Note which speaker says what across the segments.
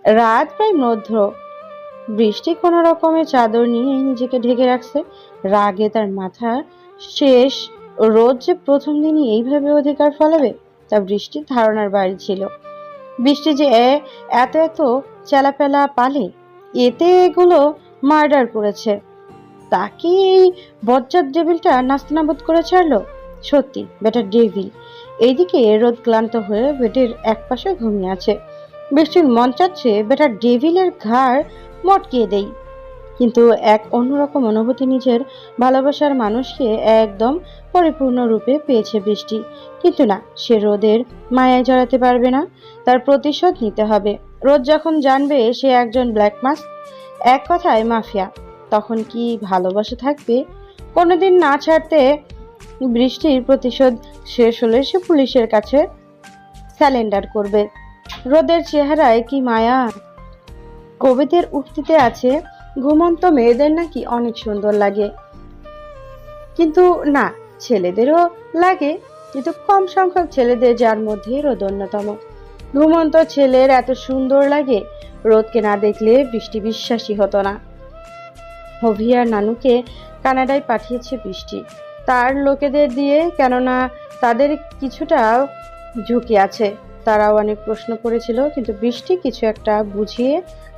Speaker 1: রাত প্রায় মধ্য। বৃষ্টি কোনো রকমে চাদর নিয়ে নিজেকে ঢেকে রাখছে। রাগে তার মাথা শেষ। রোজ যে প্রথম দিনই এইভাবে অধিকার ফলাবে তা বৃষ্টির ধারণার বাইরে ছিল। বৃষ্টি যে এত এত চেলাপেলা পালে, এতে এগুলো মার্ডার করেছে, তাকে এই বজ্জাত ডেভিলটা নাস্তানাবুদ করে ছাড়লো। সত্যি বেটা ডেভিল। এইদিকে রোদ ক্লান্ত হয়ে বেডের একপাশে ঘুমিয়ে আছে। বৃষ্টির মন চাচ্ছে বেটা ডেভিলের ঘাড় মটকিয়ে দেই, কিন্তু এক অন্যরকম অনুভূতি নিজের ভালোবাসার মানুষকে একদম পরিপূর্ণ রূপে পেয়েছে বৃষ্টি। কিন্তু না, সে রোদের মায়ায় জড়াতে পারবে না। তার প্রতিশোধ নিতে হবে। রোদ যখন জানবে সে একজন ব্ল্যাক মাস, এক কথায় মাফিয়া, তখন কি ভালোবাসা থাকবে? কোনোদিন না ছাড়তে বৃষ্টির প্রতিশোধ শেষ হলে সে পুলিশের কাছে স্যালেন্ডার করবে। রোদের চেহারায় কি মায়া! কবিদের উক্তিতে আছে, ঘুমন্ত মেয়েদের নাকি অনেক সুন্দর লাগে। কিন্তু না, ছেলেদেরও লাগে, কিন্তু কম সংখ্যক ছেলেদের, যার মধ্যে রোদ অন্যতম। ঘুমন্ত ছেলের এত সুন্দর লাগে, রোদকে না দেখলে বৃষ্টি বিশ্বাসী হতো না। অভিয়ার নানুকে কানাডায় পাঠিয়েছে বৃষ্টি তার লোকেদের দিয়ে, কেননা তাদের কিছুটা ঝুঁকি আছে। তারাও অনেক প্রশ্ন করেছিল, কিন্তু বৃষ্টি কিছু একটা বুঝিয়ে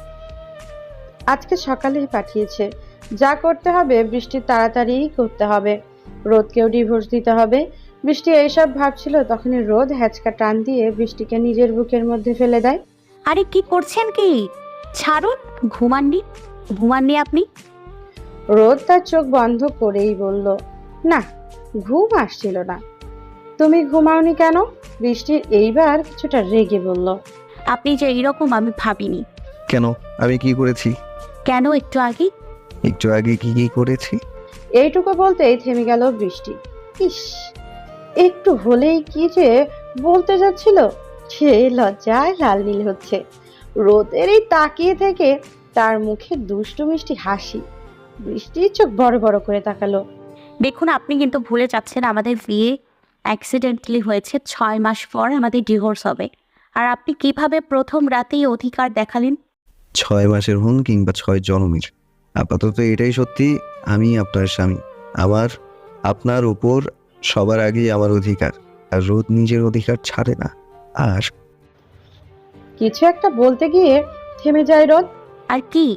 Speaker 1: আজকে সকালেই পাঠিয়েছে। যা করতে হবে বৃষ্টি তাড়াতাড়ি করতে হবে। রোদকেও ডিভোর্স দিতে হবে। বৃষ্টি এইসব ভাবছিল, তখনই রোদ হ্যাচকা টান দিয়ে বৃষ্টিকে নিজের বুকের মধ্যে ফেলে দেয়।
Speaker 2: আরে কি করছেন কি? ছাড়ুন। ঘুমাননি? ঘুমাননি আপনি?
Speaker 1: রোদ তার চোখ বন্ধ করেই বলল, না, ঘুম আসছিল না। তুমি ঘুমাওনি কেন? বৃষ্টির এইবার কিছুটা রেগে বলল।
Speaker 2: আপনি যে এইরকম আমি ভাবিনি।
Speaker 3: কেন? আমি কি করেছি?
Speaker 2: কেন একটু আগে?
Speaker 3: একটু আগে কি কি করেছি?
Speaker 1: এইটুকু বলতেই থেমে গেল বৃষ্টি। ইস, একটু হলেই কি যে বলতে যাচ্ছিল, সে লজ্জায় লাল নীল হচ্ছে। রোদের এই তাকিয়ে থেকে তার মুখে দুষ্টু মিষ্টি হাসি। বৃষ্টির চোখ বড় বড় করে তাকালো।
Speaker 2: দেখুন, আপনি কিন্তু ভুলে যাচ্ছেন আমাদের বিয়ে অ্যাক্সিডেন্টালি হয়েছে। 6 মাস পর আমাদের ডিভোর্স হবে। আর আপনি কিভাবে প্রথম রাতেই অধিকার দেখালেন?
Speaker 3: 6 মাসের হন কিংবা 6 জনমের, আপাতত এটাই সত্যি, আমি আপনার স্বামী। আমার আপনার উপর সবার আগেই আমার অধিকার, আর রোদ নিজের অধিকার ছাড়ে না। আর
Speaker 1: কিছু একটা বলতে গিয়ে থেমে যায় রোদ।
Speaker 2: আর কি?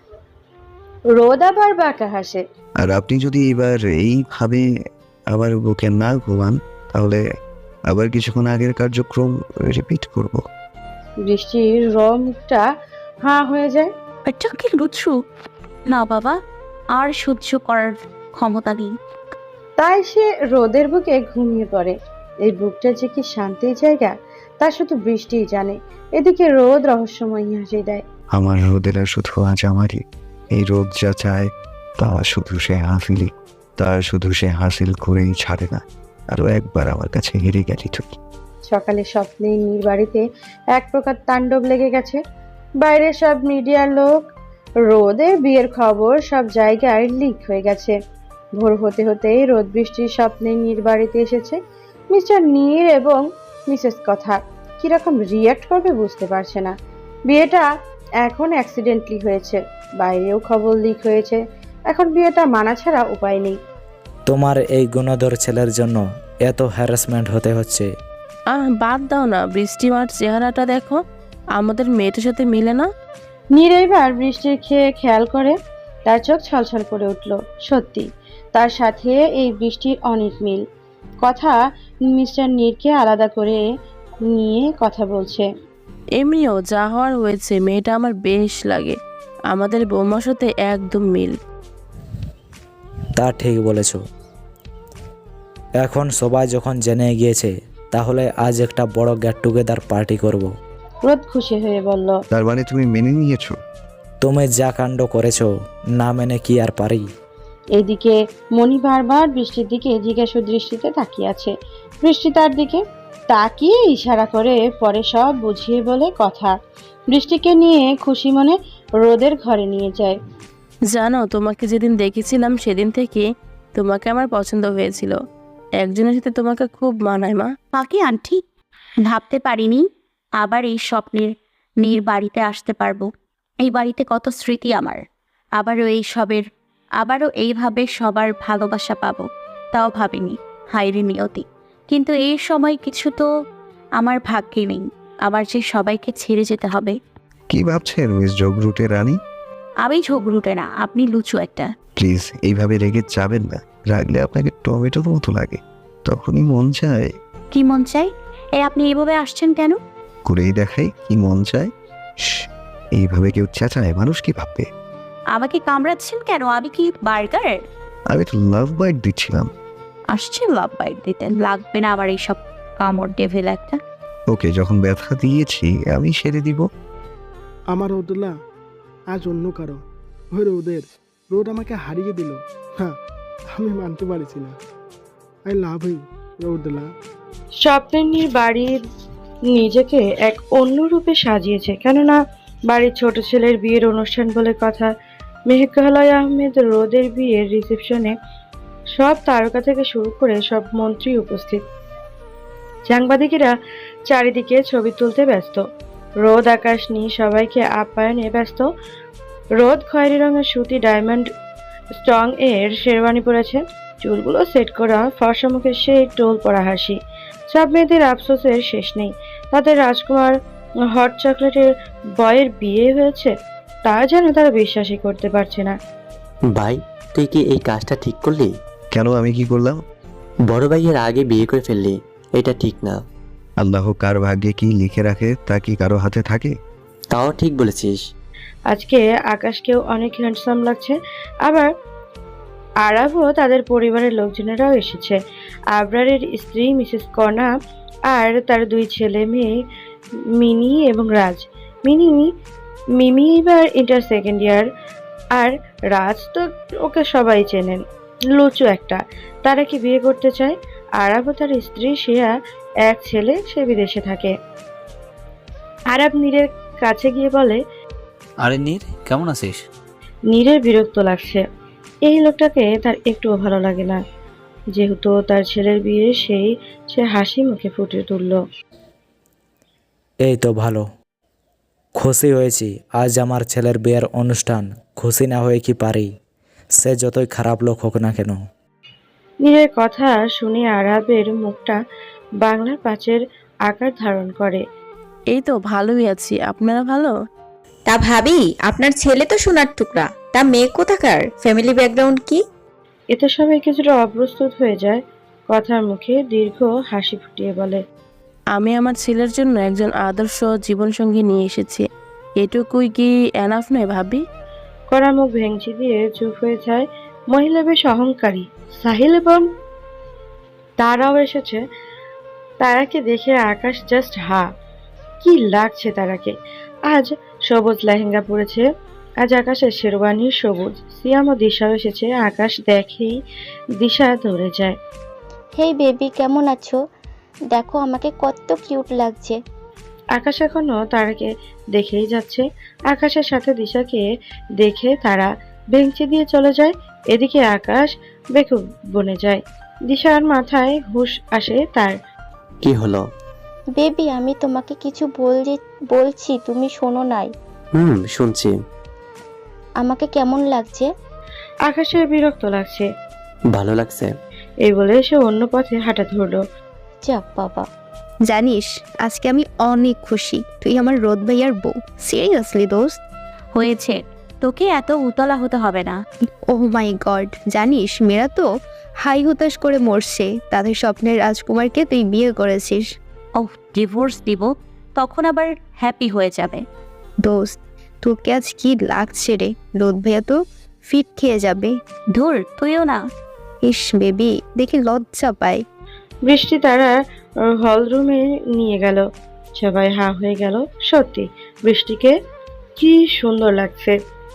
Speaker 1: রোদ আবার বাঁকা হাসে।
Speaker 3: আর আপনি যদি এবার এইভাবে আমার বুকে না ঘুমান, তাহলে আবার কিছুক্ষণ আগের কার্যক্রম রিপিট করব।
Speaker 1: বৃষ্টির মুখটা হাঁ হয়ে যায়।
Speaker 2: এটা কি লুচ্ছু? না বাবা, আর সহ্য করার ক্ষমতা নেই।
Speaker 1: তাই সে রোদের বুকে ঘুমিয়ে পড়ে। এই বুকটা যে কি শান্তির জায়গা তা শুধু বৃষ্টিই জানে। এদিকে রোদ রহস্যময় হাসি দেয়।
Speaker 3: আমার রোদেরা শুধু আজ আমারই। এই রোদ যা চায় তা শুধু সে হাসিলই, তা শুধু সে হাসিল করেই ছাড়ে না। আরো একবার আমার কাছে হেরে গেলি তুই।
Speaker 1: সকালে স্বপ্নে নীর বাড়িতে এক প্রকার তাণ্ডব লেগে গেছে। বাইরে সব মিডিয়ার লোক, রোদের বিয়ের খবর সব জায়গায় লিক হয়ে গেছে। ভোর হতে হতেই রোদ বৃষ্টির স্বপ্নে নীর বাড়িতে এসেছে। মিস্টার নীর এবং মিসেস কথা কিরকম রিয়াক্ট করবে বুঝতে পারছে না। বিয়েটা এখন অ্যাক্সিডেন্টলি হয়েছে, বাইরেও খবর লিক হয়েছে। এখন বিয়েটা মানা ছাড়া উপায় নেই।
Speaker 4: তোমার এই গুণধর ছেলের জন্য এত হ্যারাসমেন্ট হতে হচ্ছে।
Speaker 5: বাদ দাও না, বৃষ্টিমার চেহারাটা দেখো, আমাদের মেয়েটার সাথে মিলে না।
Speaker 1: নীর এবার বৃষ্টির খেয়াল করে, তার চোখ ছলছল করে উঠল। সত্যি তার সাথে এই বৃষ্টির অনেক মিল। কথা মিস্টার নীরকে আলাদা করে নিয়ে কথা বলছে।
Speaker 5: এমনিও যা হওয়ার হয়েছে, মেয়েটা আমার বেশ লাগে, আমাদের বৌমার সাথে একদম মিল।
Speaker 4: তা ঠিক বলেছ। এখন সবাই যখন জেনে গিয়েছে, তাহলে আজ একটা বড় গেট টুগেদার পার্টি করব।
Speaker 1: রোদ খুশি হয়ে বলল,
Speaker 3: তার মানে তুমি মেনে নিয়েছো?
Speaker 4: তুমি যা কাণ্ড করেছো, না মেনে কি আর পারি?
Speaker 1: এদিকে মণি বারবার বৃষ্টির দিকে জিজ্ঞাসু দৃষ্টিতে তাকিয়ে আছে। বৃষ্টি তার দিকে তাকিয়ে ইশারা করে পরে সব বুঝিয়ে বলে কথা। বৃষ্টিকে নিয়ে খুশি মনে রোদের ঘরে নিয়ে যায়।
Speaker 5: জানো, তোমাকে যেদিন দেখেছিলাম সেদিন থেকে তোমাকে আমার পছন্দ হয়েছিল। একজনের সাথে তোমাকে খুব মানায় মা।
Speaker 2: বাকি আন্টি, ভাবতে পারিনি আবার এই স্বপ্নের নীর বাড়িতে আসতে পারবো। এই বাড়িতে কত স্মৃতি আমার। আবারও এইভাবে সবার ভালোবাসা পাবো, তাও ভাবিনি। হায়রে নিয়তি, কিন্তু এই সময় কিছু তো আমার ভাগ্যে নেই। আমার যে সবাইকে ছেড়ে যেতে হবে।
Speaker 3: কি ভাবছেন মিস জগরুটে রানী?
Speaker 2: আমি ঝগড়ুটে না, আপনি লুচু একটা।
Speaker 3: প্লিজ এইভাবে রেগে যাবেন না। রাগলে আপনাকে টমেটোর মতো লাগে। তখনই মন চায়
Speaker 2: কি মন চাই? আপনি এইভাবে আসছেন কেন?
Speaker 3: করেই দেখাই কি মন চায়। এইভাবে কেউ চেঁচায়, মানুষ কি ভাববে?
Speaker 2: আমাকে কামড়াচ্ছেন কেন? আমি কি বার্গার?
Speaker 3: আমি তো লাভ বাইট দিচ্ছিলাম।
Speaker 2: আসছেন লাভ বাইট দিতে? লাগবে না আবার এইসব কামড়, ডেভিল একটা।
Speaker 3: ওকে, যখন ব্যথা দিয়েছি আমি সেরে দিব।
Speaker 6: আমার রোদুল্লাহ আজ অন্য কারো। ওই রোদের রোদ আমাকে হারিয়ে দিল। হ্যাঁ, আমি মানতে পারছি না। I love you Rodullah.
Speaker 1: স্বপ্নের বাড়ির নিজেকে এক অন্য রূপে সাজিয়েছে, কেননা বাড়ির ছোট ছেলের বিয়ের অনুষ্ঠান বলে কথা। মেঘালয় আহমেদ রোদের বিয়ের রিসেপশনে সব তারকা থেকে শুরু করে সব মন্ত্রী উপস্থিত। সাংবাদিকেরা চারিদিকে ছবি তুলতে ব্যস্ত। রোদ আকাশ নিয়ে সবাইকে আপ্যায়নে ব্যস্ত। রোদ খয়েরি রঙের সুতি ডায়মন্ড স্টং এর শেরওয়ানি পরেছে, চুলগুলো সেট করা, ফর্সা মুখে সেই টোল পরা হাসি। সব মেয়েদের আফসোসের শেষ নেই। তাদের রাজকুমার হট চকলেটের বয়ের বিয়ে হয়েছে, তা যেন তারা বিশ্বাসই করতে পারছে না।
Speaker 7: ভাই, তুই কি এই কাজটা ঠিক করলি?
Speaker 3: কেন, আমি কি করলাম?
Speaker 7: বড় ভাইয়ের আগে বিয়ে করে ফেললি, এটা ঠিক না।
Speaker 3: আল্লাহ কার ভাগ্যে কি লিখে রাখে তা কি কারো হাতে থাকে?
Speaker 7: তাও ঠিক বলেছিস।
Speaker 1: আজকে আকাশকেও অনেক হ্যান্ডসাম লাগছে। আবার আরাবও তাদের পরিবারের লোকজনেরাও এসেছে। আবরারের স্ত্রী মিসেস কনা আর তার দুই ছেলে মেয়ে মিনি এবং রাজ। মিমি এবার ইন্টার সেকেন্ড ইয়ার, আর রাজ তো ওকে সবাই চেনেন, লুচু একটা। তারা কি বিয়ে করতে চায়। আরাবও তার স্ত্রী, শিয়া, এক ছেলে, সে বিদেশে থাকে। আরাব নীরের কাছে গিয়ে বলে,
Speaker 8: আরে নীর, কেমন আছিস?
Speaker 1: নীরের বিরক্ত লাগছে। এই লোকটাকে তার একটুও ভালো লাগে না। যেহেতু তার ছেলের বিয়ে, সে হাসি মুখে ফুটে তুলল।
Speaker 4: এই তো ভালো, খুশি হয়েছি। আজ আমার ছেলের বিয়ের অনুষ্ঠান, খুশি না হয়ে কি পারি? সে যতই খারাপ লোক হোক না কেন।
Speaker 1: নীরের কথা শুনে আরাবের মুখটা বাংলার পাঁচের আকার ধারণ করে।
Speaker 5: এই তো ভালোই আছি, আপনারা ভালো?
Speaker 9: তা ভাবি, আপনার ছেলে তো সোনার টুকরা, তা মেয়ে কোথাকার, ফ্যামিলি ব্যাকগ্রাউন্ড কি?
Speaker 1: এতে সবাই কিছুটা অপ্রস্তুত হয়ে যায়। কথার মুখে দীর্ঘ হাসি ফুটিয়ে বলে,
Speaker 5: আমি আমার ছেলের জন্য একজন আদর্শ জীবনসঙ্গী নিয়ে এসেছি। এটুকুই কি এনাফ নয় ভাবি?
Speaker 1: কড়া মুখ ভেঙচি দিয়ে চুপ হয়ে যায়। মহিলা বেশ অহংকারী। সাহিল এবং তারাও এসেছে। তারাকে দেখে আকাশ জাস্ট কি লাগছে তারাকে। আজ সবুজ লেহেঙ্গা পরেছে, আজ আকাশের শেরওয়ানি সবুজ। সিয়াম ও দিশাও এসেছে। আকাশ দেখেই দিশা ধরে যায়।
Speaker 10: হেই বেবি, কেমন আছো? দেখো আমাকে কত কিউট লাগছে।
Speaker 1: আকাশ এখনো তারাকে দেখেই যাচ্ছে। আকাশের সাথে দিশাকে দেখে তারা ভেঙচি দিয়ে চলে যায়। এদিকে আকাশ বেকুব বনে যায়। দিশার মাথায় হুঁশ আসে তার।
Speaker 7: কি হলো?
Speaker 10: বেবি, আমি তোমাকে কিছু বলছি, তুমি শোনো নাই।
Speaker 7: শুনছি।
Speaker 10: আমাকে কেমন লাগছে?
Speaker 1: আকাশের বিরক্ত লাগছে।
Speaker 7: ভালো লাগছে।
Speaker 1: এই বলে সে অন্য পথে হাঁটা ধরলো।
Speaker 10: যাক বাবা।
Speaker 2: জানিস, আজকে আমি অনেক খুশি। তুই আমার রোদ ভাইয়ার বউ। সিরিয়াসলি দোস্ত। হয়েছে, তোকে এত উতলা হতে হবে না। ওহ মাই গড, জানিস মেয়েরা তো হাই হুতাশ করে মরছে। তাদের স্বপ্নের রাজকুমারকে তুই বিয়ে করেছিস। ওহ, ডিভোর্স দিব, তখন আবার হ্যাপি হয়ে যাবে। দোস্ত, তোকে আজ কি লাগছে রে? রোদ ভাইয়া তো ফিট খেয়ে যাবে। ধুর, তুইও না। ইস বেবি, দেখি লজ্জা পায়।
Speaker 1: বৃষ্টি তারা হল রুমে নিয়ে গেল। সবাই হা হয়ে গেল। সত্যি বৃষ্টিকে কি সুন্দর লাগছে।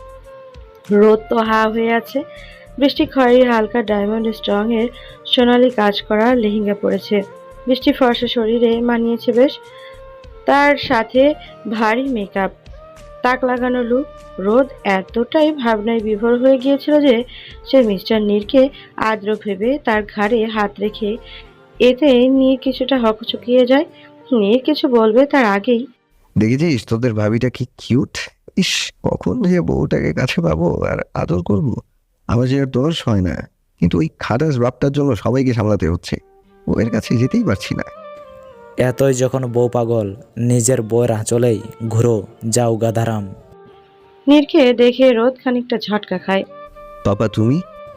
Speaker 1: রোদ তো হা হয়ে আছে। বৃষ্টি খয়েরি হালকা ডায়মন্ড স্ট্রং এর সোনালি কাজ করা লেহেঙ্গা পরেছে। বৃষ্টি ফর্সা শরীরে মানিয়েছে বেশ। তার সাথে ভারী মেকআপ, তাক লাগানো লুক। রোদ এতটাই ভাবনায় বিভোর হয়ে গিয়েছিল যে সে মিস্টার নীরকে আদ্র ভেবে তার ঘাড়ে হাত রেখে, এতে নীর কিছুটা হকচকিয়ে যায়। নীর কিছু বলবে তার আগেই
Speaker 3: দেখেছিস তোদের ভাবিটা কি কিউট। ইস, কখন যে বউটাকে কাছে পাবো আর আদর করবো। আমার যে আর দোষ হয় না, কিন্তু ওই খাটাস বাপটার জন্য সবাইকে সামলাতে হচ্ছে। ওর কাছে যেতেই পারছি না।
Speaker 4: এতই যখন বউ পাগল, নিজের বউয়ের আঁচলেই ঘুরো, যাও গাধারাম।
Speaker 1: নীরকে দেখে রোদ খানিকটা ঝটকা খায়।
Speaker 3: পাপা তুমি?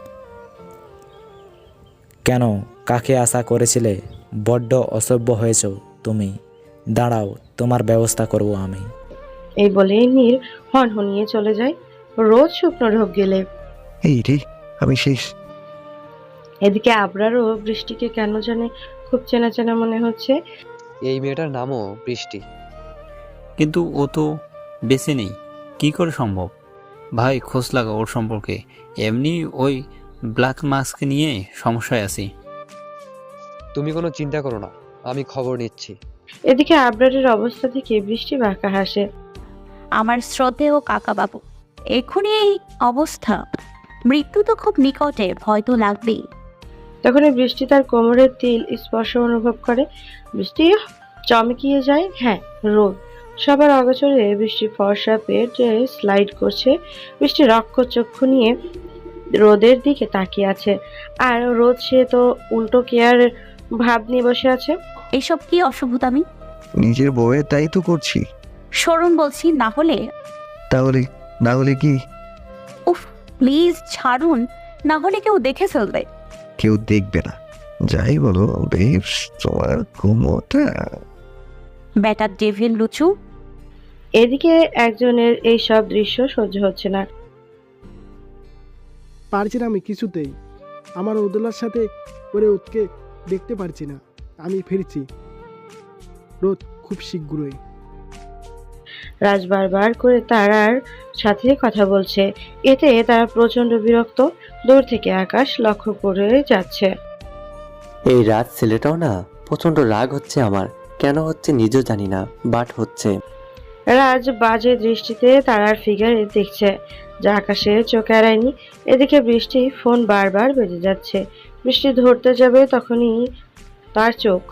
Speaker 4: কেন, কাকে আশা করেছিলে? বড্ড অসভ্য হয়েছ তুমি। দাঁড়াও, তোমার ব্যবস্থা করব আমি।
Speaker 1: এই বলে নীর হনহনিয়ে চলে যায়। রোদ শুকনো ঢোক গেলে।
Speaker 3: এই রে, আমি শেষ।
Speaker 1: এদিকে আবরারও বৃষ্টিকে কেন জানে খুব চেনা চেনা মনে হচ্ছে।
Speaker 11: এই মেয়েটার নামও বৃষ্টি, কিন্তু ও তো বেঁচে নেই, কি করে সম্ভব? ভাই খোঁজ লাগা ওর সম্পর্কে। এমনি ওই ব্ল্যাক মাস্ক নিয়ে সমস্যায় আছি।
Speaker 12: তুমি কোনো চিন্তা করো না, আমি খবর নিচ্ছি।
Speaker 1: এদিকে আবরারের অবস্থা থেকে বৃষ্টি বাঁকা হাসে।
Speaker 2: আমার শ্রদ্ধেয় কাকা বাবু, এখনই এই অবস্থা, মৃত্যু তো খুব নিকটে, ভয় তো লাগবেই।
Speaker 1: তখনই বৃষ্টি তার কোমরের তিল স্পর্শ অনুভব করে। বৃষ্টি চমকিয়ে যায়। হ্যাঁ, রোদ। সবার অগোচরে বৃষ্টি ফর্সা পেটে স্লাইড করছে। বৃষ্টি রক্তচক্ষু নিয়ে রোদের দিকে তাকিয়ে আছে, আর রোদ সে তো উল্টো কেয়ার ভাব নিয়ে বসে আছে।
Speaker 2: এসব কি অসভ্যতামি?
Speaker 3: নিজের বউয়ের তাই তো করছি।
Speaker 2: সরুন বলছি, না হলে।
Speaker 3: তাহলে না হলে কি?
Speaker 2: উফ, প্লিজ ছাড়ুন, না হলে কেউ দেখে ফেলবে।
Speaker 3: কেউ দেখবে না, যাই বলো বেশ, তোমার ঘুমোটা।
Speaker 2: Batter devil লুচু।
Speaker 1: এদিকে একজনের এই সব দৃশ্য সহ্য হচ্ছে না।
Speaker 6: পারছি না আমি কিছুতেই। আমার রোদেলার সাথে করে ওকে দেখতে পারছি না। আমি ফিরছি রোদ খুব শীঘ্রই।
Speaker 1: রাজ বারবার করে তারার সাথে কথা বলছে, এতে তারা প্রচন্ড বিরক্ত। দূর থেকে আকাশ লক্ষ্য করে যাচ্ছে।
Speaker 7: এই রাত ছেলেটাও না প্রচন্ড রাগ হচ্ছে আমার, কেন হচ্ছে নিজেও জানি না, বাট হচ্ছে।
Speaker 1: রাজ বাজে দৃষ্টিতে তারার ফিগারে দেখছে, যা আকাশে চোখ এড়ায়নি। এদিকে বৃষ্টি ফোন বারবার বেজে যাচ্ছে। বৃষ্টি ধরতে যাবে তখনই তার চোখ,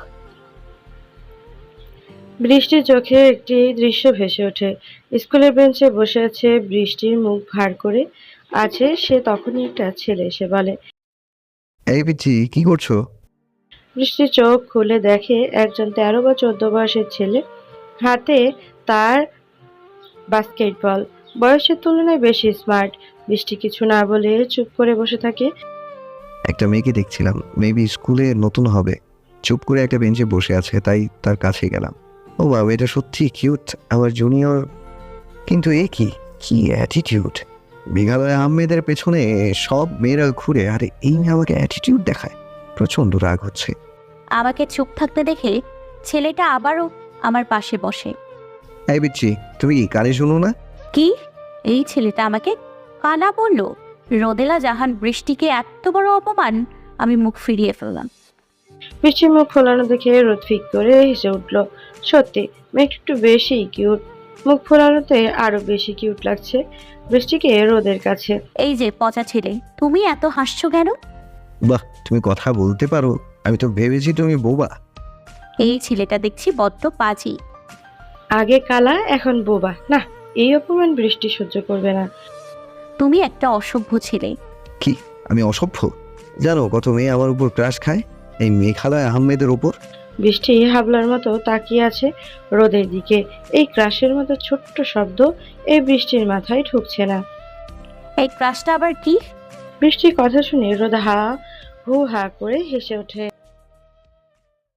Speaker 1: বৃষ্টির চোখে একটি দৃশ্য ভেসে ওঠে। স্কুলের বেঞ্চে বসে আছে বৃষ্টির মুখ ভার করে আছে সে। তখনই একটা ছেলে এসে বলে,
Speaker 3: এই পিচ্ছি, কি করছো?
Speaker 1: বৃষ্টি চোখ খুলে দেখে একজন 13 বা 14 বয়সের ছেলে, হাতে তার বাস্কেটবল। বয়সের তুলনায় বেশি স্মার্ট। বৃষ্টি কিছু না বলে চুপ করে বসে থাকে।
Speaker 3: একটা মেয়েকে দেখছিলাম, মেবি স্কুলে নতুন হবে, চুপ করে একটা বেঞ্চে বসে আছে, তাই তার কাছে গেলাম। ও বাবা, এটা সত্যি কিউট, আমার জুনিয়র। কিন্তু এ কি কি অ্যাটিটিউড! মেঘালয় আহমেদের পেছনে সব মেয়েরা ঘুরে, আর এই মেয়ে আমাকে অ্যাটিটিউড দেখায়। প্রচন্ড রাগ হচ্ছে।
Speaker 2: আমাকে চুপ থাকতে দেখে ছেলেটা আবারও আমার পাশে বসে।
Speaker 3: এই বিচ্ছি, তুমি কি কানে শুনো না?
Speaker 2: কি? এই ছেলেটা আমাকে কানা বলল? রোদেলা জাহান বৃষ্টিকে এত বড় অপমান! আমি মুখ ফিরিয়ে ফেললাম।
Speaker 1: বৃষ্টির মুখ ফোলানো দেখে রোদ ফিক করে হেসে উঠল। সত্যি মেয়েটা একটু বেশি কিউট। মুখ ফোলানোতে আরো বেশি কিউট লাগছে বৃষ্টিকে রোদের কাছে।
Speaker 2: এই যে পচা ছেলে, তুমি এত হাসছো কেন?
Speaker 3: বাহ, তুমি কথা বলতে পারো, আমি তো ভেবেছি তুমি বোবা।
Speaker 2: এই ছেলেটা দেখছি বড্ড পাজি।
Speaker 1: আগে কালা, এখন বোবা। না, এই অপমান বৃষ্টি সহ্য করবে না।
Speaker 2: তুমি একটা অসভ্য ছেলে।
Speaker 3: কি আমি অসভ্য? জানো কত মেয়ে আমার উপর ক্রাশ খায় এই মেঘালয় আহমেদের উপর।
Speaker 1: বৃষ্টি হাবলার মতো তাকিয়ে আছে রোদের দিকে। এই ক্রাশের মতো ছোট্ট শব্দ এই বৃষ্টির মাথায় ঢুকছে না।
Speaker 2: এই ক্রাশটা আবার কি?
Speaker 1: বৃষ্টির কথা শুনে রোদ হা হু হা করে হেসে ওঠে।